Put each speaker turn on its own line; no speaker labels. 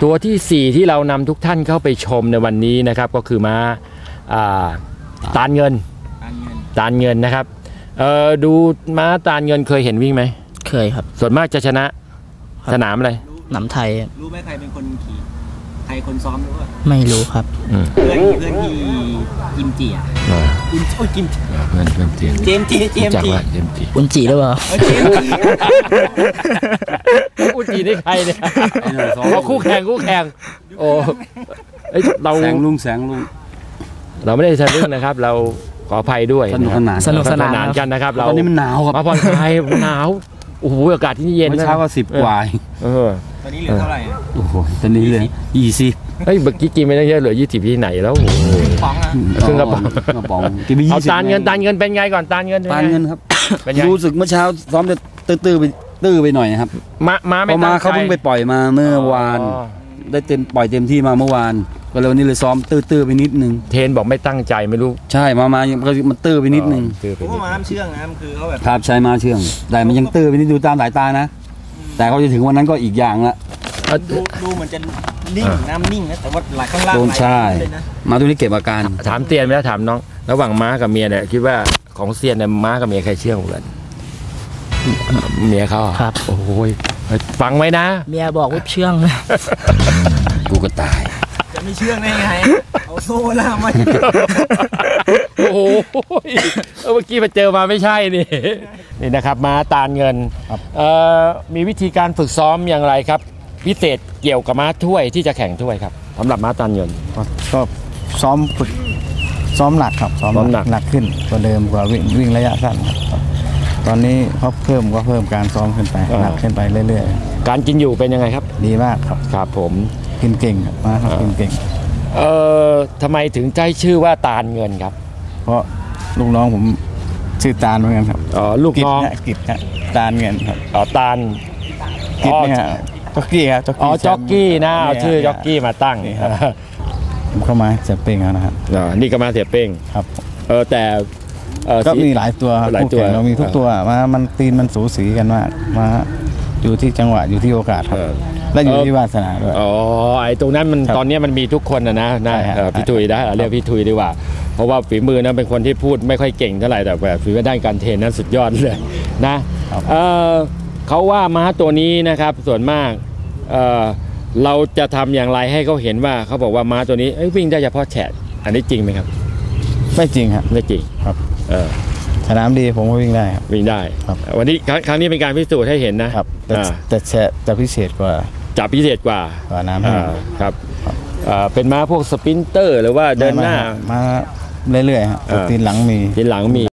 ตัวที่4ที่เรานำทุกท่านเข้าไปชมในวันนี้นะครับก็คือม้าตาลเงินนะครับดูม้าตาลเงินเคยเห็นวิ่งไหม
เคยครับ
ส่วนมากจะชนะสนามอะไร
หนำไทย
รู้ไหมใครเป็นคนขี่ใครคนซ้อมรู้ป่ะ
ไม่รู้ครับ
เพื่อนที่กิมจิอ่ะกิมเพื่อนเจมจี
อุนจิหรือเปล่า
อุนจินี่ใครเนี่ยคู่แข่งโอ้เราแสงลุงเราไม่ได้ทะลึ่งนะครับเราขออภัยด้วย
สนุกสนาน
กันนะครับเรา
ตอนนี้มันหนาวครับ
มาผ่อนคลายหนาวโอ้โหอากาศที่นี่เย็น
เช้าก็10 กว่าตอนนี้เหลือเท่าไหร่
โอ้โหตอนนี้เหลือ20เฮ้ยเมื่อกี้กินไม่ได้เยอะเหลือ20ที่ไหนแล้วครึ่งกระป๋องเอาตาลเงินเป็นไงก่อนตาลเงิน
ครับรู้สึกเมื่อเช้าซ้อมจะตื้อไปหน่อยครับมาเขาเพิ่งไปปล่อยมาเมื่อวานได้ปล่อยเต็มที่มาเมื่อวานก็เลยวันนี้เลยซ้อมตื้อไปนิดนึง
เทนบอกไม่ตั้งใจไม่รู้
ใช่มามันตื้อไปนิดนึงเพราะว่าม้าเชื่องนะคือเขาแบบครับใช่ม้าเชื่องแต่มันยังตื้อไปนิดดูตามสายตานะแต่เขาจะถึงวันนั้นก็อีกอย่างละดูเหมือนจะนิ่งน้ำนิ่งนะแต่ว่าหลายข้างล่างใช่มาตัวนี้เก็บอาการ
ถามเตียนไปแล้วถามน้องระหว่างม้ากับเมียเนี่ยคิดว่าของเซียนเนี่ยม้ากับเมียใครเชื่องกว่ากันเมียเขา
ครับ
โอ้ยฟังไว้นะ
เมียบอกว่าเชื่อง
กูก็ตาย
จะไม่เชื่องได้ไงเอาโซ่ล่ามมา
โอ้โหเมื่อกี้มาเจอมาไม่ใช่นี่นะครับม้าตาลเงินมีวิธีการฝึกซ้อมอย่างไรครับพิเศษเกี่ยวกับม้าถ้วยที่จะแข่งถ้วยครับสำหรับม้าตาลเงิน
ก็ซ้อมฝึกซ้อมหนักครับซ้อมหนักขึ้นกว่าเดิมกว่าวิ่งระยะสั้นครับตอนนี้เขาเพิ่มการซ้อมขึ้นไปหนักขึ้นไปเรื่อย
ๆการกินอยู่เป็นยังไงครับ
ดีมากครับ
ครับผม
กินเก่งครับมาครับกินเก่ง
ทำไมถึงใจชื่อว่าตาลเงินครับ
เพราะลูกน้องผมชื่อตาลเหมือนกันครับ
ลูกน้อง
กิจตาลเงินครับ
ตาล
กิจเนี่ยจ็อกกี้ครับ
จ็อกกี้นะเอาชื่อจ็อกกี้มาตั้ง
ผมเข้ามาเสียเป้งนะครับ
นี่ก็มาเสียเป้ง
ครับ
แต่
ก็มีหลายตัวเรามีทุกตัวมันตีนมันสูสีกันมากมาอยู่ที่จังหวะอยู่ที่โอกาสครับและอยู่ที่วาสนาด้วย
ไอ้ตรงนั้นมันตอนนี้มันมีทุกคนนะพี่ทุยนะเรียกพี่ทุยดีกว่าเพราะว่าฝีมือนั้นเป็นคนที่พูดไม่ค่อยเก่งเท่าไหร่แต่แบบฝีมือด้านการเทรนนั้นสุดยอดเลยนะเขาว่าม้าตัวนี้นะครับส่วนมากเราจะทำอย่างไรให้เขาเห็นว่าเขาบอกว่าม้าตัวนี้วิ่งได้เฉพาะแฉะอันนี้จริงไหมครับ
ไม่จริงครับ
ไม่จริง
ครับสนามดีผมก็วิ่งได้ครับ
วิ่งได้ครับวันนี้ครั้งนี้เป็นการพิสูจน์ให้เห็นนะครับ
แต่แฉะจะพิเศษกว่าน้ำ
ครับเป็นม้าพวกสปรินเตอร์หรือว่าเดินหน้า
มาเรื่อยๆครับตีนหลังมี